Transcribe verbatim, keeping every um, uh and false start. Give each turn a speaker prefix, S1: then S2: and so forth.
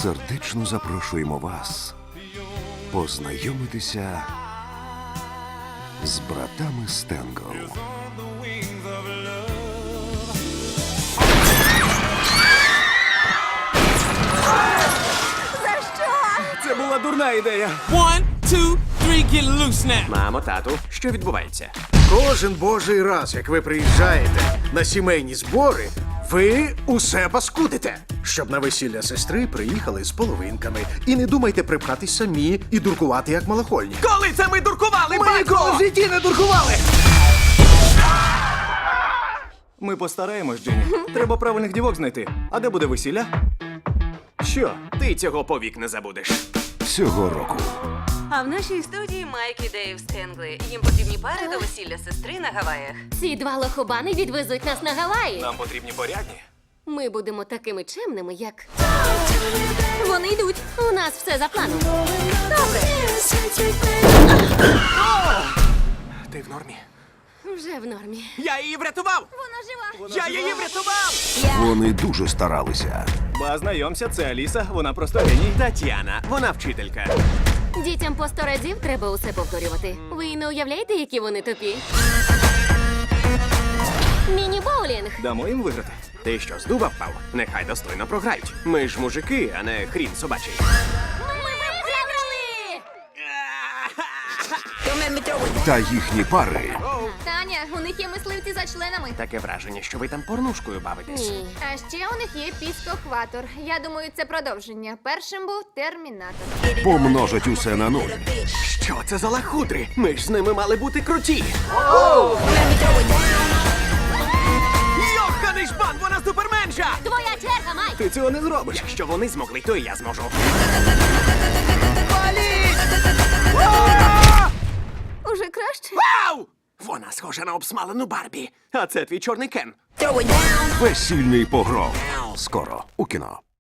S1: сердечно запрошуємо вас познайомитися з братами Стенгл.
S2: Це була дурна ідея.
S3: One, two, three, get loose now.
S2: Мамо, тату, що відбувається?
S4: Кожен божий раз, як ви приїжджаєте на сімейні збори, ви усе паскудите. Щоб на весілля сестри приїхали з половинками. І не думайте припхатись самі і дуркувати, як малохольні.
S2: Коли це ми дуркували,
S4: Ми
S2: батько?
S4: ніколи в житті не дуркували!
S2: Ми постараємось, Джині. Треба правильних дівок знайти. А де буде весілля? Що? Ти цього повік не забудеш.
S1: Цього року
S5: А в нашій студії Майк і Дейв Стенгли. Їм потрібні пари до весілля сестри на Гаваях.
S6: Ці два лохобани відвезуть нас на Гаваї.
S2: Нам потрібні порядні.
S6: Ми будемо такими чемними, як... Вони йдуть. У нас все за планом. Добре.
S2: Ти в нормі?
S6: Вже в нормі.
S2: Я її врятував!
S6: Вона жива.
S2: Я її врятував!
S1: вони дуже старалися.
S2: Ба, знайомся, це Аліса, вона просто геній. Тетяна, вона вчителька.
S6: Дітям по сто разів треба усе повторювати. Ви не уявляєте, які вони тупі? Міні-боулінг.
S2: Дамо їм виграти. Ти що, з дуба впав? Нехай достойно програють. Ми ж мужики, а не хрін собачий.
S6: Ми виграли!
S1: Та їхні пари
S7: Таня, у них є мисливці за членами.
S2: Таке враження, що ви там порнушкою бавитесь.
S6: Ні.
S7: А ще у них є піскохватор. Я думаю, це продовження. Першим був термінатор.
S1: помножать усе на нуль.
S2: Що це за лахудри? Ми ж з ними мали бути круті. Йоханий жбан, вона суперменша!
S6: Твоя черга, Майк!
S2: Ти цього не зробиш. Якщо вони змогли, то і я зможу.
S7: Уже краще?
S2: Вау! Вона схожа на обсмалену Барбі. А це твій чорний Кен.
S1: Весільний погром. Скоро у кіно.